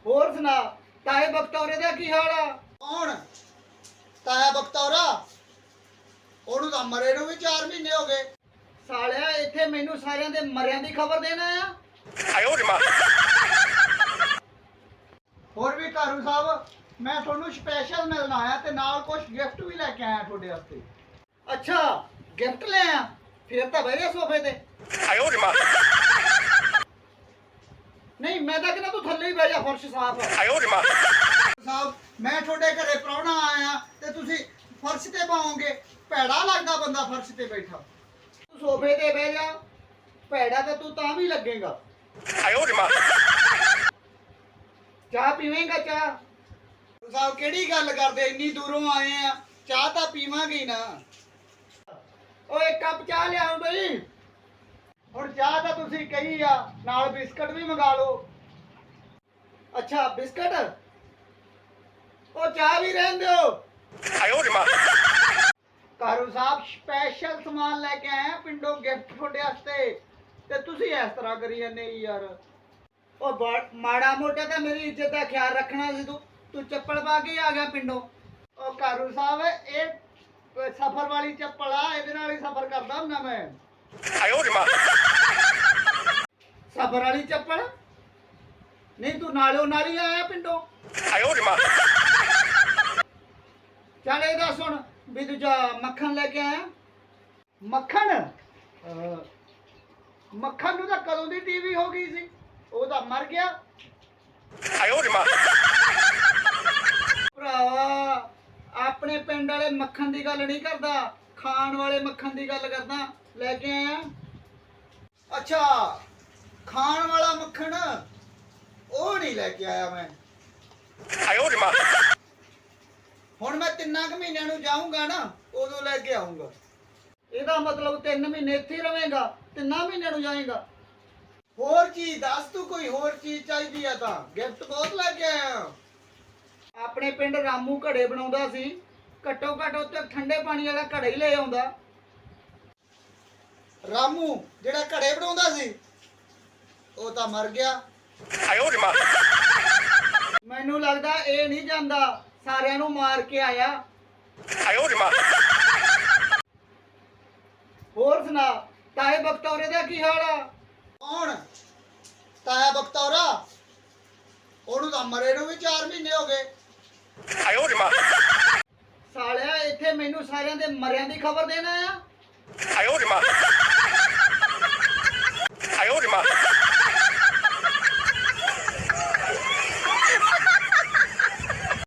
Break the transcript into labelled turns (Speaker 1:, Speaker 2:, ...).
Speaker 1: ਹੋਰ ਸੁਣਾ ਤਾਏ ਬਖਤੌਰੇ ਦਾ ਕੀ ਹਾਲ ਆ?
Speaker 2: ਕੌਣ? ਤਾਇਆ ਬਖਤੌਰਾ? ਉਹਨੂੰ ਤਾਂ ਮਰੇ ਨੂੰ ਵੀ 4 ਮਹੀਨੇ ਹੋ ਗਏ।
Speaker 1: ਸਾਲਿਆ ਇੱਥੇ ਮੈਨੂੰ ਸਾਰਿਆਂ ਦੇ ਮਰਿਆਂ ਦੀ ਖਬਰ ਦੇਣਾ ਆ।
Speaker 2: ਹੋਰ ਵੀ ਕਾਰੂ ਸਾਹਿਬ, ਮੈਂ ਤੁਹਾਨੂੰ ਸਪੈਸ਼ਲ ਮਿਲਣ ਆਇਆ ਤੇ ਨਾਲ ਕੁਝ ਗਿਫਟ ਵੀ ਲੈ ਕੇ ਆਇਆ ਤੁਹਾਡੇ ਵਾਸਤੇ।
Speaker 1: ਅੱਛਾ ਗਿਫਟ ਲੈ ਆ, ਫਿਰ ਤਾਂ ਬਹਿ ਜਾ ਸੋਫੇ ਤੇ। ਨਹੀਂ ਮੈਂ ਤਾਂ ਕਹਿੰਦਾ ਤੂੰ ਥੱਲੇ ਹੀ ਬਹਿ ਜਾ, ਫਰਸ਼ ਸਾਫ਼ ਆ।
Speaker 2: ਸਾਹਿਬ ਮੈਂ ਤੁਹਾਡੇ ਘਰੇ ਪ੍ਰਾਹੁਣਾ ਆਇਆ ਤੇ ਤੁਸੀਂ ਫਰਸ਼ ਤੇ ਪਾਓਗੇ? ਭੈੜਾ ਲੱਗਦਾ ਬੰਦਾ ਫਰਸ਼ ਤੇ ਬੈਠਾ।
Speaker 1: ਤੂੰ ਸੋਫੇ ਤੇ ਬਹਿ ਜਾ, ਭੈੜਾ ਤਾਂ ਤੂੰ ਤਾਂ ਵੀ ਲੱਗੇਗਾ। ਚਾਹ ਪੀਵੇਂਗਾ? ਚਾਹ
Speaker 2: ਸਾਹਿਬ ਕਿਹੜੀ ਗੱਲ ਕਰਦੇ, ਇੰਨੀ ਦੂਰੋਂ ਆਏ ਆ, ਚਾਹ ਤਾਂ ਪੀਵਾਂਗੇ ਹੀ ਨਾ।
Speaker 1: ਓਏ ਇੱਕ ਕੱਪ ਚਾਹ ਲਿਆਓ ਬਈ।
Speaker 2: ਹੁਣ ਚਾਹ ਤਾਂ ਤੁਸੀਂ ਕਹੀ ਆ, ਨਾਲ ਬਿਸਕਟ ਵੀ ਮੰਗਾ ਲਓ।
Speaker 1: ਅੱਛਾ ਬਿਸਕਟ, ਉਹ ਚਾਹ ਵੀ ਰਹਿਣ ਦਿਓ।
Speaker 2: ਕਾਰੂ ਸਾਹਿਬ ਸਪੈਸ਼ਲ ਸਮਾਨ ਲੈ ਕੇ ਆਏ ਆ ਪਿੰਡੋਂ, ਗਿਫਟ ਤੁਹਾਡੇ ਵਾਸਤੇ, ਤੇ ਤੁਸੀਂ ਇਸ ਤਰ੍ਹਾਂ ਕਰੀ ਜਾਂਦੇ ਯਾਰ।
Speaker 1: ਉਹ ਮਾੜਾ ਮੋਟਾ ਤਾਂ ਮੇਰੀ ਇੱਜ਼ਤ ਦਾ ਖਿਆਲ ਰੱਖਣਾ ਸੀ। ਤੂੰ ਚੱਪਲ ਪਾ ਕੇ ਹੀ ਆ ਗਿਆ ਪਿੰਡੋਂ।
Speaker 2: ਉਹ ਕਾਰੂ ਸਾਹਿਬ ਇਹ ਸਫਰ ਵਾਲੀ ਚੱਪਲ ਆ, ਇਹਦੇ ਨਾਲ ਹੀ ਸਫਰ ਕਰਦਾ ਹੁੰਦਾ ਮੈਂ।
Speaker 1: ਸਫਰ ਵਾਲੀ ਚੱਪਲ? ਨਹੀਂ ਤੂੰ ਨਾਲੋਂ ਨਾਲ ਹੀ ਆਇਆ ਪਿੰਡੋਂ। ਚੱਲ ਇਹ ਦੱਸ ਹੁਣ ਵੀ ਦੂਜਾ ਮੱਖਣ ਲੈ ਕੇ ਆਇਆ?
Speaker 2: ਮੱਖਣ? ਮੱਖਣ ਨੂੰ ਤਾਂ ਕਦੋਂ ਦੀ ਟੀਵੀ ਹੋ ਗਈ ਸੀ, ਉਹ ਤਾਂ ਮਰ ਗਿਆ।
Speaker 1: ਭਰਾਵਾ ਆਪਣੇ ਪਿੰਡ ਵਾਲੇ ਮੱਖਣ ਦੀ ਗੱਲ ਨਹੀਂ ਕਰਦਾ, ਖਾਣ ਵਾਲੇ ਮੱਖਣ ਦੀ ਗੱਲ ਕਰਦਾ। ਲੈ ਕੇ ਆਇਆ?
Speaker 2: ਅੱਛਾ ਖਾਣ ਵਾਲਾ ਮੱਖਣ, ਉਹ ਨਹੀਂ ਲੈ ਕੇ ਆਇਆ ਮੈਂ। ਹੁਣ ਮੈਂ 3 ਮਹੀਨਿਆਂ ਨੂੰ ਜਾਊਂਗਾ ਨਾ, ਉਦੋਂ ਲੈ ਕੇ ਆਊਂਗਾ।
Speaker 1: ਇਹਦਾ ਮਤਲਬ 3 ਮਹੀਨੇ ਇੱਥੇ ਹੀ ਰਵੇਂਗਾ, 3 ਮਹੀਨਿਆਂ ਨੂੰ ਜਾਏਗਾ?
Speaker 2: ਹੋਰ ਚੀਜ਼ ਦੱਸ, ਤੂੰ ਕੋਈ ਹੋਰ ਚੀਜ਼ ਚਾਹੀਦੀ ਆ ਤਾਂ ਗਿਫਟ ਬਹੁਤ ਲੈ ਕੇ ਆਇਆ।
Speaker 1: ਆਪਣੇ ਪਿੰਡ ਰਾਮੂ ਘੜੇ ਬਣਾਉਂਦਾ ਸੀ, ਘੱਟੋ ਘੱਟ ਉੱਤੇ ਠੰਡੇ ਪਾਣੀ ਵਾਲਾ ਘੜਾ ਹੀ ਲੈ ਆਉਂਦਾ।
Speaker 2: ਰਾਮੂ ਜਿਹੜਾ ਘੜੇ ਬਣਾਉਂਦਾ ਸੀ, ਉਹ ਤਾਂ ਮਰ ਗਿਆ।
Speaker 1: ਮੈਨੂੰ ਲੱਗਦਾ ਇਹ ਨਹੀਂ ਜਾਂਦਾ, ਸਾਰਿਆਂ ਨੂੰ ਮਾਰ ਕੇ ਆਇਆ। ਹੋਰ ਸੁਣਾ ਤਾਏ ਬਖਤੌਰੇ ਦਾ ਕੀ ਹਾਲ ਆ?
Speaker 2: ਕੌਣ? ਤਾਇਆ ਬਖਤੌਰਾ? ਉਹਨੂੰ ਤਾਂ ਮਰੇ ਨੂੰ ਵੀ 4 ਮਹੀਨੇ ਹੋ ਗਏ।
Speaker 1: ਸਾਲਿਆ ਇੱਥੇ ਮੈਨੂੰ ਸਾਰਿਆਂ ਦੇ ਮਰਿਆਂ ਦੀ ਖਬਰ ਦੇਣਾ ਆ।